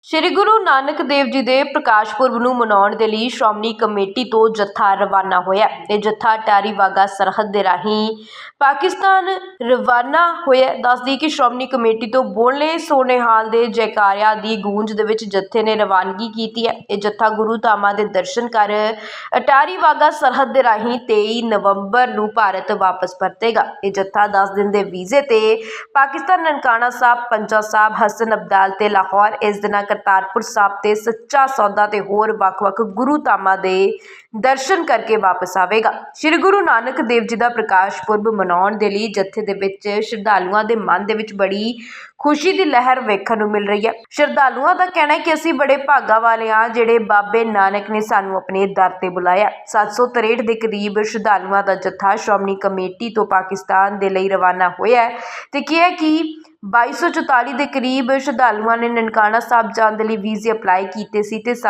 ਸ਼੍ਰੀ ਗੁਰੂ ਨਾਨਕ ਦੇਵ ਜੀ ਦੇ ਪ੍ਰਕਾਸ਼ ਪੁਰਬ ਨੂੰ ਮਨਾਉਣ ਦੇ ਲਈ ਸ਼੍ਰੋਮਣੀ ਕਮੇਟੀ ਤੋਂ ਜੱਥਾ ਰਵਾਨਾ ਹੋਇਆ। ਇਹ ਜੱਥਾ ਟਾਰੀ ਵਾਗਾ ਸਰਹੱਦ ਦੇ ਰਾਹੀਂ ਪਾਕਿਸਤਾਨ ਰਵਾਨਾ ਹੋਇਆ। ਦੱਸਦੀ ਕਿ ਸ਼੍ਰੋਮਣੀ ਕਮੇਟੀ ਤੋਂ ਬੋਲੇ ਸੋਨੇਹਾਲ ਦੇ ਜੈਕਾਰਿਆਂ ਦੀ ਗੂੰਜ ਦੇ ਵਿੱਚ ਜੱਥੇ ਨੇ ਰਵਾਨਗੀ ਕੀਤੀ ਹੈ। ਇਹ ਜੱਥਾ ਗੁਰੂ ਧਾਮਾਂ ਦੇ ਦਰਸ਼ਨ ਕਰ ਟਾਰੀ ਵਾਗਾ ਸਰਹੱਦ ਦੇ ਰਾਹੀਂ 23 ਨਵੰਬਰ ਨੂੰ ਭਾਰਤ ਵਾਪਸ ਪਰਤੇਗਾ। ਇਹ ਜੱਥਾ 10 ਦਿਨ ਦੇ ਵੀਜ਼ੇ ਤੇ ਪਾਕਿਸਤਾਨ ਨਨਕਾਣਾ ਸਾਹਿਬ, ਪੰਜਾ ਸਾਹਿਬ, ਹਸਨ ਅਬਦਾਲ ਤੇ ਲਾਹੌਰ, ਇਸ ਦਿਨਾਂ ਕਰਤਾਰਪੁਰ ਸਾਹਿਬ ਤੇ ਸੱਚਾ ਸੌਦਾ ਤੇ ਹੋਰ ਵੱਖ-ਵੱਖ ਗੁਰੂ ਧਾਮਾਂ ਦੇ ਦਰਸ਼ਨ ਕਰਕੇ ਵਾਪਸ ਆਵੇਗਾ। ਸ਼੍ਰੀ ਗੁਰੂ ਨਾਨਕ ਦੇਵ ਜੀ ਦਾ ਪ੍ਰਕਾਸ਼ ਪੁਰਬ ਮਨਾਉਣ ਦੇ ਲਈ ਜੱਥੇ ਦੇ ਵਿੱਚ ਸ਼ਰਧਾਲੂਆਂ ਦੇ ਮਨ ਦੇ ਵਿੱਚ ਬੜੀ ਖੁਸ਼ੀ ਦੀ ਲਹਿਰ ਵੇਖਣ ਨੂੰ ਮਿਲ ਰਹੀ ਹੈ। ਸ਼ਰਧਾਲੂਆਂ ਦਾ ਕਹਿਣਾ ਹੈ ਕਿ ਅਸੀਂ ਬੜੇ ਭਾਗਾ ਵਾਲੇ ਹਾਂ ਜਿਹੜੇ ਬਾਬੇ ਨਾਨਕ ਨੇ ਸਾਨੂੰ ਆਪਣੇ ਦਰ ਤੇ ਬੁਲਾਇਆ। 763 ਦੇ ਕਰੀਬ ਸ਼ਰਧਾਲੂਆਂ ਦਾ ਜੱਥਾ ਸ਼੍ਰੋਮਣੀ ਕਮੇਟੀ ਤੋਂ ਪਾਕਿਸਤਾਨ ਦੇ ਲਈ ਰਵਾਨਾ ਹੋਇਆ ਹੈ ਤੇ ਕਿਹਾ ਕਿ 2244 ਦੇ ਕਰੀਬ ਸ਼ਰਧਾਲੂਆਂ ਨੇ ਨਨਕਾਣਾ ਸਾਹਿਬ ਜਾਣ ਦੇ ਲਈ ਵੀਜ਼ੇ ਅਪਲਾਈ ਕੀਤੇ ਸੀ ਤੇ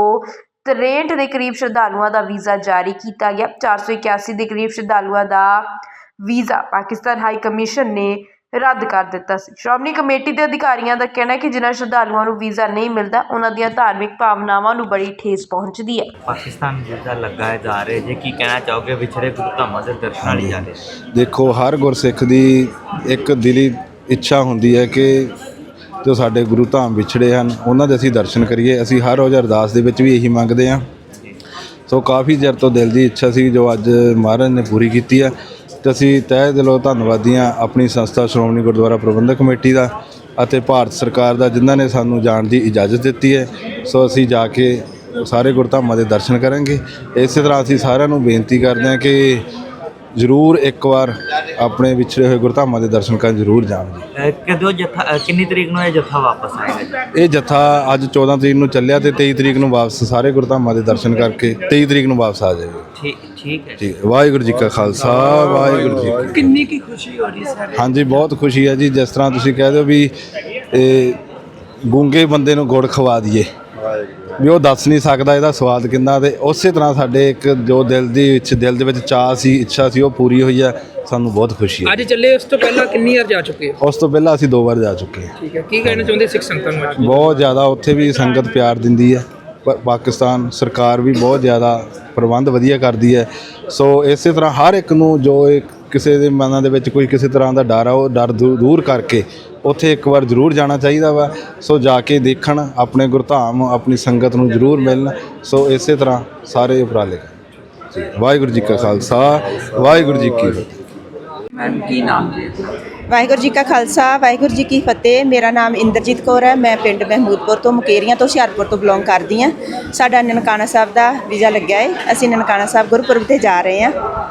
763 ਦੇ ਕਰੀਬ ਸ਼ਰਧਾਲੂਆਂ ਦਾ ਵੀਜ਼ਾ ਜਾਰੀ ਕੀਤਾ ਗਿਆ। 481 ਦੇ ਕਰੀਬ ਸ਼ਰਧਾਲੂਆਂ ਦਾ ਵੀਜ਼ਾ ਪਾਕਿਸਤਾਨ ਹਾਈ ਕਮਿਸ਼ਨ ਨੇ ਰੱਦ ਕਰ ਦਿੱਤਾ ਸੀ। ਸ਼੍ਰੋਮਣੀ ਕਮੇਟੀ ਦੇ ਅਧਿਕਾਰੀਆਂ ਦਾ ਕਹਿਣਾ ਹੈ ਕਿ ਜਿਨ੍ਹਾਂ ਸ਼ਰਧਾਲੂਆਂ ਨੂੰ ਵੀਜ਼ਾ ਨਹੀਂ ਮਿਲਦਾ ਉਹਨਾਂ ਦੀਆਂ ਧਾਰਮਿਕ ਭਾਵਨਾਵਾਂ ਨੂੰ ਬੜੀ ਠੇਸ ਪਹੁੰਚਦੀ ਹੈ। ਪਾਕਿਸਤਾਨ ਵੀਜ਼ਾ ਲਗਾਏ ਜਾ ਰਹੇ ਜੇ ਕੀ ਕਹਿਣਾ ਚਾਹੋਗੇ ਵਿਛੜੇ ਗੁਰੂ ਧਾਮਾਂ ਦੇ ਦਰਸ਼ਨਾਂ ਲਈ ਜਾਂਦੇ? ਦੇਖੋ, ਹਰ ਗੁਰਸਿੱਖ ਦੀ ਇੱਕ ਦਿਲੀ ਇੱਛਾ ਹੁੰਦੀ ਹੈ ਕਿ ਜੋ ਸਾਡੇ ਗੁਰੂ ਧਾਮ ਵਿਛੜੇ ਹਨ ਉਹਨਾਂ ਦੇ ਅਸੀਂ ਦਰਸ਼ਨ ਕਰੀਏ। ਅਸੀਂ ਹਰ ਰੋਜ਼ ਅਰਦਾਸ ਦੇ ਵਿੱਚ ਵੀ ਇਹੀ ਮੰਗਦੇ ਹਾਂ। ਸੋ ਕਾਫੀ ਚਿਰ ਤੋਂ ਦਿਲ ਦੀ ਇੱਛਾ ਸੀ ਜੋ ਅੱਜ ਮਹਾਰਾਜ ਨੇ ਪੂਰੀ ਕੀਤੀ ਹੈ ਅਤੇ ਅਸੀਂ ਤਹਿ ਦਿਲੋਂ ਧੰਨਵਾਦੀ ਹਾਂ ਆਪਣੀ ਸੰਸਥਾ ਸ਼੍ਰੋਮਣੀ ਗੁਰਦੁਆਰਾ ਪ੍ਰਬੰਧਕ ਕਮੇਟੀ ਦਾ ਅਤੇ ਭਾਰਤ ਸਰਕਾਰ ਦਾ ਜਿਨ੍ਹਾਂ ਨੇ ਸਾਨੂੰ ਜਾਣ ਦੀ ਇਜਾਜ਼ਤ ਦਿੱਤੀ ਹੈ। ਸੋ ਅਸੀਂ ਜਾ ਕੇ ਸਾਰੇ ਗੁਰਧਾਮਾਂ ਦੇ ਦਰਸ਼ਨ ਕਰਾਂਗੇ। ਇਸੇ ਤਰ੍ਹਾਂ ਅਸੀਂ ਸਾਰਿਆਂ ਨੂੰ ਬੇਨਤੀ ਕਰਦੇ ਹਾਂ ਕਿ ਜ਼ਰੂਰ ਇੱਕ ਵਾਰ ਆਪਣੇ ਵਿਛੜੇ ਹੋਏ ਗੁਰਧਾਮਾਂ ਦੇ ਦਰਸ਼ਨ ਕਰਨ ਜ਼ਰੂਰ ਜਾਣ ਜੀ। ਕਦੋਂ ਜੱਥਾ ਕਿੰਨੀ ਤਰੀਕ ਨੂੰ ਇਹ ਜੱਥਾ ਵਾਪਸ ਆਏਗਾ? ਇਹ ਜੱਥਾ ਅੱਜ 14 ਤਰੀਕ ਨੂੰ ਚੱਲਿਆ ਤੇ 23 ਤਰੀਕ ਨੂੰ ਵਾਪਸ ਸਾਰੇ ਗੁਰਧਾਮਾਂ ਦੇ ਦਰਸ਼ਨ ਕਰਕੇ 23 ਤਰੀਕ ਨੂੰ ਵਾਪਸ ਆ ਜਾਏਗਾ। ਠੀਕ ਹੈ ਜੀ। ਵਾਹਿਗੁਰੂ ਜੀ ਕਾ ਖਾਲਸਾ, ਵਾਹਿਗੁਰੂ ਜੀ ਕੀ। ਕਿੰਨੀ ਕੀ ਖੁਸ਼ੀ ਹੋ ਰਹੀ ਸਰ? ਹਾਂਜੀ, ਬਹੁਤ ਖੁਸ਼ੀ ਹੈ ਜੀ। ਜਿਸ ਤਰ੍ਹਾਂ ਤੁਸੀਂ ਕਹਿ ਦਿਓ ਵੀ ਇਹ ਗੂੰਗੇ ਬੰਦੇ ਨੂੰ ਗੁੜ ਖਵਾ ਦਈਏ ਵੀ ਉਹ ਦੱਸ ਨਹੀਂ ਸਕਦਾ ਇਹਦਾ ਸਵਾਦ ਕਿੰਨਾ, ਤੇ ਉਸੇ ਤਰ੍ਹਾਂ ਸਾਡੇ ਇੱਕ ਜੋ ਦਿਲ ਦੇ ਵਿੱਚ ਚਾਅ ਸੀ, ਇੱਛਾ ਸੀ, ਉਹ ਪੂਰੀ ਹੋਈ ਹੈ। ਸਾਨੂੰ ਬਹੁਤ ਖੁਸ਼ੀ ਹੈ। ਅੱਜ ਚੱਲੇ, ਉਸ ਤੋਂ ਪਹਿਲਾਂ ਕਿੰਨੀ ਵਾਰ ਜਾ ਚੁੱਕੇ ਹੋ? ਉਸ ਤੋਂ ਪਹਿਲਾਂ ਅਸੀਂ 2 ਵਾਰ ਜਾ ਚੁੱਕੇ ਹਾਂ। ਠੀਕ ਹੈ, ਕੀ ਕਹਿਣਾ ਚਾਹੁੰਦੇ ਸਿੱਖ ਸੰਗਤਾਂ ਨੂੰ? ਬਹੁਤ ਜ਼ਿਆਦਾ ਉੱਥੇ ਵੀ ਸੰਗਤ ਪਿਆਰ ਦਿੰਦੀ ਹੈ। ਪਾਕਿਸਤਾਨ ਸਰਕਾਰ ਵੀ ਬਹੁਤ ਜ਼ਿਆਦਾ ਪ੍ਰਬੰਧ ਵਧੀਆ ਕਰਦੀ ਹੈ। ਸੋ ਇਸੇ ਤਰ੍ਹਾਂ ਹਰ ਇੱਕ ਨੂੰ ਜੋ ਕਿਸੇ ਦੇ ਮਨਾਂ ਦੇ ਵਿੱਚ ਕੋਈ ਕਿਸੇ ਤਰ੍ਹਾਂ ਦਾ ਡਰ ਆ, ਉਹ ਡਰ ਦੂਰ ਕਰਕੇ ਉੱਥੇ ਇੱਕ ਵਾਰ ਜ਼ਰੂਰ ਜਾਣਾ ਚਾਹੀਦਾ ਵਾ। ਸੋ ਜਾ ਕੇ ਦੇਖਣ, ਆਪਣੇ ਗੁਰਧਾਮ ਆਪਣੀ ਸੰਗਤ ਨੂੰ ਜ਼ਰੂਰ ਮਿਲਣ। ਸੋ ਇਸੇ ਤਰ੍ਹਾਂ ਸਾਰੇ ਉਪਰਾਲੇ ਜੀ। ਵਾਹਿਗੁਰੂ ਜੀ ਕਾ ਖਾਲਸਾ, ਵਾਹਿਗੁਰੂ ਜੀ ਕੀ ਫਤਿਹ। ਮੈਮ ਕੀ ਨਾਮ ਜੀ? ਵਾਹਿਗੁਰੂ ਜੀ ਕਾ ਖਾਲਸਾ, ਵਾਹਿਗੁਰੂ ਜੀ ਕੀ ਫਤਿਹ। ਮੇਰਾ ਨਾਮ ਇੰਦਰਜੀਤ ਕੌਰ ਹੈ। ਮੈਂ ਪਿੰਡ ਮਹਿਮੂਦਪੁਰ ਤੋਂ, ਮੁਕੇਰੀਆਂ ਤੋਂ, ਹੁਸ਼ਿਆਰਪੁਰ ਤੋਂ ਬਿਲੋਂਗ ਕਰਦੀ ਹਾਂ। ਸਾਡਾ ਨਨਕਾਣਾ ਸਾਹਿਬ ਦਾ ਵੀਜ਼ਾ ਲੱਗਿਆ ਹੈ। ਅਸੀਂ ਨਨਕਾਣਾ ਸਾਹਿਬ ਗੁਰਪੁਰਬ 'ਤੇ ਜਾ ਰਹੇ ਹਾਂ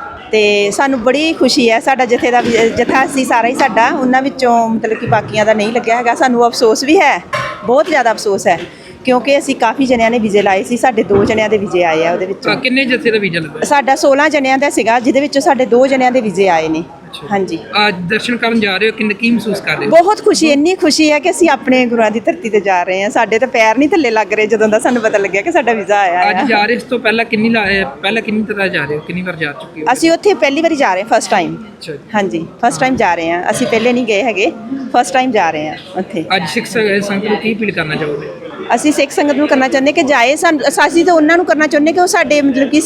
ਅਤੇ ਸਾਨੂੰ ਬੜੀ ਖੁਸ਼ੀ ਹੈ। ਸਾਡਾ ਜੱਥਾ ਸੀ ਸਾਰਾ ਹੀ ਸਾਡਾ, ਉਹਨਾਂ ਵਿੱਚੋਂ ਮਤਲਬ ਕਿ ਬਾਕੀਆਂ ਦਾ ਨਹੀਂ ਲੱਗਿਆ ਹੈਗਾ। ਸਾਨੂੰ ਅਫਸੋਸ ਵੀ ਹੈ, ਬਹੁਤ ਜ਼ਿਆਦਾ ਅਫਸੋਸ ਹੈ, ਕਿਉਂਕਿ ਅਸੀਂ ਕਾਫੀ ਜਣਿਆਂ ਨੇ ਵੀਜ਼ੇ ਲਾਏ ਸੀ। ਸਾਡੇ 2 ਜਣਿਆਂ ਦੇ ਵੀਜ਼ੇ ਆਏ ਆ। ਉਹਦੇ ਵਿੱਚੋਂ ਕਿੰਨੇ ਜੱਥੇ ਦਾ ਵੀਜ਼ਾ ਲੱਗਾ? ਸਾਡਾ 16 ਜਣਿਆਂ ਦਾ ਸੀਗਾ, ਜਿਹਦੇ ਵਿੱਚੋਂ ਸਾਡੇ 2 ਜਣਿਆਂ ਦੇ ਵੀਜ਼ੇ ਆਏ ਨੇ। ਹਾਂਜੀ, ਅੱਜ ਦਰਸ਼ਨ ਕਰਨ ਜਾ ਰਹੇ ਹੋ, ਕੀ ਮਹਿਸੂਸ ਕਰ ਰਹੇ ਹੋ? ਬਹੁਤ ਖੁਸ਼ੀ, ਇੰਨੀ ਖੁਸ਼ੀ ਹੈ ਕਿ ਅਸੀਂ ਆਪਣੇ ਗੁਰੂਆਂ ਦੀ ਧਰਤੀ ਤੇ ਜਾ ਰਹੇ ਹਾਂ। ਸਾਡੇ ਤਾਂ ਪੈਰ ਨਹੀਂ ਥੱਲੇ ਲੱਗ ਰਹੇ ਜਦੋਂ ਦਾ ਸਾਨੂੰ ਪਤਾ ਲੱਗਿਆ ਕਿ ਸਾਡਾ ਵੀਜ਼ਾ ਆਇਆ ਅੱਜ ਜਾ ਰਹੇ, ਇਸ ਤੋਂ ਪਹਿਲਾਂ ਕਿੰਨੀ ਤਰ੍ਹਾਂ ਜਾ ਰਹੇ ਹੋ? ਕਿੰਨੀ ਵਾਰ ਜਾ ਚੁੱਕੇ ਹੋ? ਅਸੀਂ ਉੱਥੇ ਪਹਿਲੀ ਵਾਰੀ ਜਾ ਰਹੇ ਹਾਂ, ਫਸਟ ਟਾਈਮ। ਹਾਂਜੀ, ਫਸਟ ਟਾਈਮ ਜਾ ਰਹੇ ਹਾਂ। ਅਸੀਂ ਪਹਿਲੇ ਨਹੀਂ ਗਏ ਹੈਗੇ, ਫਸਟ ਟਾਈਮ ਜਾ ਰਹੇ ਹਾਂ ਉੱਥੇ। ਅੱਜ ਸਿੱਖ ਸੰਗਤ ਨੂੰ ਕੀ ਅਪੀਲ ਕਰਨਾ ਚਾਹੋਗੇ? ਅਸੀਂ ਸਿੱਖ ਸੰਗਤ ਨੂੰ ਕਰਨਾ ਚਾਹੁੰਦੇ ਕਿ ਜਾਏ। ਅਸੀਂ ਤਾਂ ਉਹਨਾਂ ਨੂੰ ਕਰਨਾ ਚਾਹੁੰਦੇ ਕਿ ਉਹ ਸਾਡੇ ਮਤਲਬ ਕਿ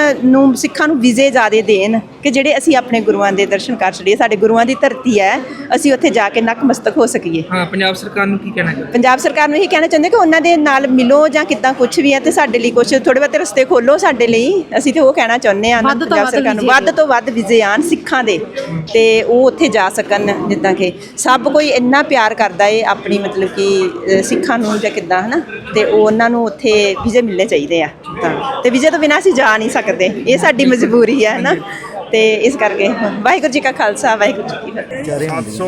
ਸਿੱਖਾਂ ਨੂੰ ਵੀਜ਼ੇ ਜ਼ਿਆਦਾ ਦੇਣ ਕਿ ਜਿਹੜੇ ਅਸੀਂ ਆਪਣੇ ਗੁਰੂਆਂ ਦੇ ਦਰਸ਼ਨ ਕਰ ਸਕੀਏ। ਸਾਡੇ ਗੁਰੂਆਂ ਦੀ ਧਰਤੀ ਹੈ, ਅਸੀਂ ਉੱਥੇ ਜਾ ਕੇ ਨਕਮਸਤਕ ਹੋ ਸਕੀਏ। ਹਾਂ, ਪੰਜਾਬ ਸਰਕਾਰ ਨੂੰ ਕੀ ਕਹਿਣਾ ਚਾਹੁੰਦੇ? ਪੰਜਾਬ ਸਰਕਾਰ ਨੂੰ ਇਹੀ ਕਹਿਣਾ ਚਾਹੁੰਦੇ ਕਿ ਉਹਨਾਂ ਦੇ ਨਾਲ ਮਿਲੋ ਜਾਂ ਕਿੱਦਾਂ ਕੁਛ ਵੀ ਹੈ, ਅਤੇ ਸਾਡੇ ਲਈ ਕੁਛ ਥੋੜ੍ਹੇ ਬਹੁਤੇ ਰਸਤੇ ਖੋਲ੍ਹੋ ਸਾਡੇ ਲਈ। ਅਸੀਂ ਤਾਂ ਉਹ ਕਹਿਣਾ ਚਾਹੁੰਦੇ ਹਾਂ ਪੰਜਾਬ ਸਰਕਾਰ ਨੂੰ, ਵੱਧ ਤੋਂ ਵੱਧ ਵੀਜ਼ੇ ਆਉਣ ਸਿੱਖਾਂ ਦੇ ਅਤੇ ਉਹ ਉੱਥੇ ਜਾ ਸਕਣ। ਜਿੱਦਾਂ ਕਿ ਸਭ ਕੋਈ ਇੰਨਾ ਪਿਆਰ ਕਰਦਾ ਹੈ ਆਪਣੀ ਮਤਲਬ ਕਿ ਸਿੱਖਾਂ ਨੂੰ ਜਾਂ ਕਿੱਦਾਂ, ਹੈ ਨਾ, ਅਤੇ ਉਹਨਾਂ ਨੂੰ ਉੱਥੇ ਵੀਜ਼ੇ ਮਿਲਣੇ ਚਾਹੀਦੇ ਆ। ਅਤੇ ਵੀਜ਼ੇ ਤੋਂ ਬਿਨਾਂ ਅਸੀਂ ਜਾ ਨਹੀਂ ਸਕਦੇ, ਇਹ ਸਾਡੀ ਮਜਬੂਰੀ ਹੈ ਨਾ। ਅਤੇ ਇਸ ਕਰਕੇ ਵਾਹਿਗੁਰੂ ਜੀ ਕਾ ਖਾਲਸਾ, ਵਾਹਿਗੁਰੂ ਜੀ ਕੀ ਫਤਿਹ।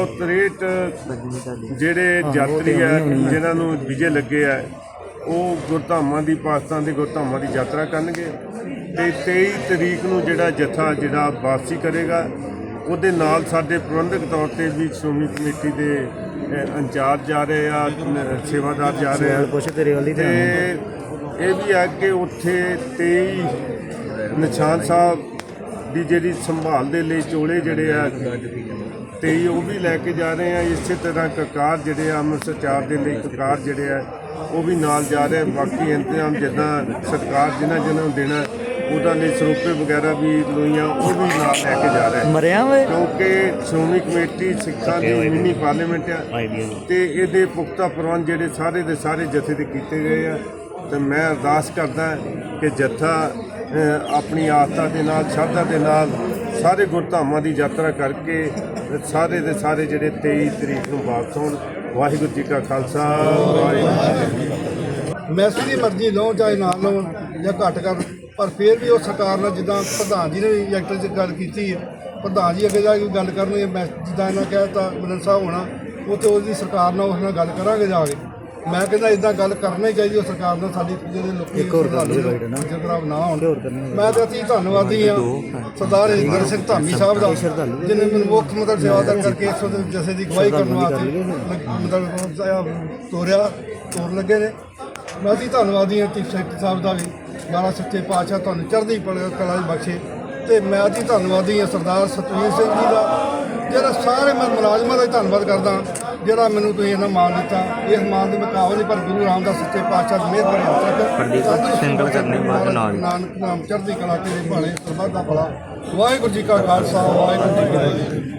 763 ਜਿਹੜੇ ਯਾਤਰੀ ਹੈ ਜਿਨ੍ਹਾਂ ਨੂੰ ਵੀਜ਼ੇ ਲੱਗੇ ਆ, ਉਹ ਗੁਰਧਾਮਾਂ ਦੀ, ਪਾਕਿਸਤਾਨ ਦੇ ਗੁਰਧਾਮਾਂ ਦੀ ਯਾਤਰਾ ਕਰਨਗੇ ਅਤੇ 23 ਤਰੀਕ ਨੂੰ ਜਿਹੜਾ ਵਾਪਸੀ ਕਰੇਗਾ। ਉਹਦੇ ਨਾਲ ਸਾਡੇ ਪ੍ਰਬੰਧਕ ਤੌਰ 'ਤੇ ਵੀ ਸ਼੍ਰੋਮਣੀ ਕਮੇਟੀ ਦੇ ਇੰਚਾਰਜ ਜਾ ਰਹੇ ਆ, ਸੇਵਾਦਾਰ ਜਾ ਰਹੇ ਆ। ਅਤੇ ਇਹ ਵੀ ਹੈ ਕਿ ਉੱਥੇ 23 ਨਿਸ਼ਾਨ ਸਾਹਿਬ ਦੀ ਜਿਹੜੀ ਸੰਭਾਲ ਦੇ ਲਈ ਚੋਲੇ ਜਿਹੜੇ ਆ 23 ਉਹ ਵੀ ਲੈ ਕੇ ਜਾ ਰਹੇ ਆ। ਇਸੇ ਤਰ੍ਹਾਂ ਕਕਾਰ ਜਿਹੜੇ ਆ ਅੰਮ੍ਰਿਤਸਰ 4 ਦੇ ਲਈ ਕਕਾਰ ਜਿਹੜੇ ਆ ਉਹ ਵੀ ਨਾਲ ਜਾ ਰਿਹਾ। ਬਾਕੀ ਇੰਤਜ਼ਾਮ ਜਿੱਦਾਂ ਸਰਕਾਰ ਜਿਨ੍ਹਾਂ ਨੂੰ ਦੇਣਾ ਉਹਨਾਂ ਦੇ ਸਰੋਪੇ ਵਗੈਰਾ ਵੀ ਲੋਈਆਂ ਉਹ ਵੀ ਨਾਲ ਲੈ ਕੇ ਜਾ ਰਿਹਾ ਕਿਉਂਕਿ ਸ਼੍ਰੋਮਣੀ ਕਮੇਟੀ ਸਿੱਖਾਂ ਦੀ ਮਿੰਨੀ ਪਾਰਲੀਮੈਂਟ ਆ ਤੇ ਇਹਦੇ ਪੁਖਤਾ ਪ੍ਰਬੰਧ ਜਿਹੜੇ ਸਾਰੇ ਦੇ ਸਾਰੇ ਜਥੇ ਦੇ ਕੀਤੇ ਗਏ ਆ। ਤੇ ਮੈਂ ਅਰਦਾਸ ਕਰਦਾ ਕਿ ਜੱਥਾ ਆਪਣੀ ਆਸਥਾ ਦੇ ਨਾਲ ਸ਼ਰਧਾ ਦੇ ਨਾਲ ਸਾਰੇ ਗੁਰਧਾਮਾਂ ਦੀ ਯਾਤਰਾ ਕਰਕੇ ਸਾਰੇ ਦੇ ਸਾਰੇ ਜਿਹੜੇ 23 ਤਰੀਕ ਨੂੰ ਵਾਪਸ ਹੋਣ। ਵਾਹਿਗੁਰੂ ਜੀ ਕਾ ਖਾਲਸਾ ਵਾਹਿਗੁਰੂ ਜੀ ਕੀ ਫਤਿਹ। ਮੈਸੀ ਦੀ ਮਰਜ਼ੀ ਲਓ ਚਾਹੇ ਨਾ ਲਓ ਜਾਂ ਘੱਟ ਕਰ, ਪਰ ਫਿਰ ਵੀ ਉਹ ਸਰਕਾਰ ਨਾਲ ਜਿੱਦਾਂ ਪ੍ਰਧਾਨ ਜੀ ਨੇ ਵੀ ਐਕਟਰ 'ਚ ਗੱਲ ਕੀਤੀ ਹੈ, ਪ੍ਰਧਾਨ ਜੀ ਅੱਗੇ ਜਾ ਕੇ ਗੱਲ ਕਰਨਗੇ। ਮੈਂ ਜਿੱਦਾਂ ਇਹਨਾਂ ਕਹਿ ਦਿੱਤਾ ਮਿਲਨ ਸਾਹਿਬ ਹੋਣਾ ਉਹ ਤੇ ਉਹਦੀ ਸਰਕਾਰ ਨਾਲ ਉਸ ਨਾਲ ਗੱਲ ਕਰਾਂਗੇ ਜਾ ਕੇ। ਮੈਂ ਕਹਿੰਦਾ ਇਦਾਂ ਗੱਲ ਕਰਨੀ ਚਾਹੀਦੀ ਉਹ ਸਰਕਾਰ ਨਾਲ, ਸਾਡੀ ਜਿਹੜੇ ਲੋਕੀ ਖਰਾਬ ਨਾ ਹੋਣ। ਮੈਂ ਤਾਂ ਅਸੀਂ ਧੰਨਵਾਦੀ ਹਾਂ ਸਰਦਾਰ ਹਰਿੰਦਰ ਸਿੰਘ ਧਾਮੀ ਸਾਹਿਬ ਦਾ, ਜਿਹਨੇ ਮੈਨੂੰ ਮੁੱਖ ਮਤਲਬ ਸੇਵਾਦਾਰ ਕਰਕੇ ਇਸ ਜਥੇ ਦੀ ਅਗਵਾਈ ਕਰਨ ਵਾਸਤੇ ਮਤਲਬ ਤੋਰ ਲੱਗੇ ਨੇ। ਮੈਂ ਅਸੀਂ ਧੰਨਵਾਦੀ ਹਾਂ ਚੀਫ ਸੈਕਟਰੀ ਸਾਹਿਬ ਦਾ ਵੀ, ਮਹਾਰਾਜ ਸੱਚੇ ਪਾਤਸ਼ਾਹ ਤੁਹਾਨੂੰ ਚੜ੍ਹਦੀ ਕਲਾ ਬਖਸ਼ੇ। ਤੇ ਮੈਂ ਅਸੀਂ ਧੰਨਵਾਦੀ ਹਾਂ ਸਰਦਾਰ ਸਤਵੀਰ ਸਿੰਘ ਜੀ ਦਾ, ਜਿਹੜਾ ਸਾਰੇ ਮੈਂ ਮੁਲਾਜ਼ਮਾਂ ਦਾ ਧੰਨਵਾਦ ਕਰਦਾ ਜਿਹੜਾ ਮੈਨੂੰ ਤੁਸੀਂ ਇਹਨਾਂ ਮਾਣ ਦਿੱਤਾ। ਇਸ ਮਾਣ ਦੇ ਮੁਕਾਬਲੇ ਨਹੀਂ, ਪਰ ਗੁਰੂ ਰਾਮਦਾਸ ਸੱਚੇ ਪਾਤਸ਼ਾਹ ਦੀ ਮਿਹਰ ਭਰੇ ਹੱਥ ਤੱਕ ਸਿੰਗਲ ਕਰਨੇ ਬਾਅਦ ਨਾਨਕ ਨਾਮ ਚੜ੍ਹਦੀ ਕਲਾ ਤੇਰੇ ਭਾਣੇ ਸਰਬੱਤ ਦਾ ਭਲਾ। ਵਾਹਿਗੁਰੂ ਜੀ ਕਾ ਖਾਲਸਾ ਵਾਹਿਗੁਰੂ ਜੀ ਕੀ ਫਤਿਹ।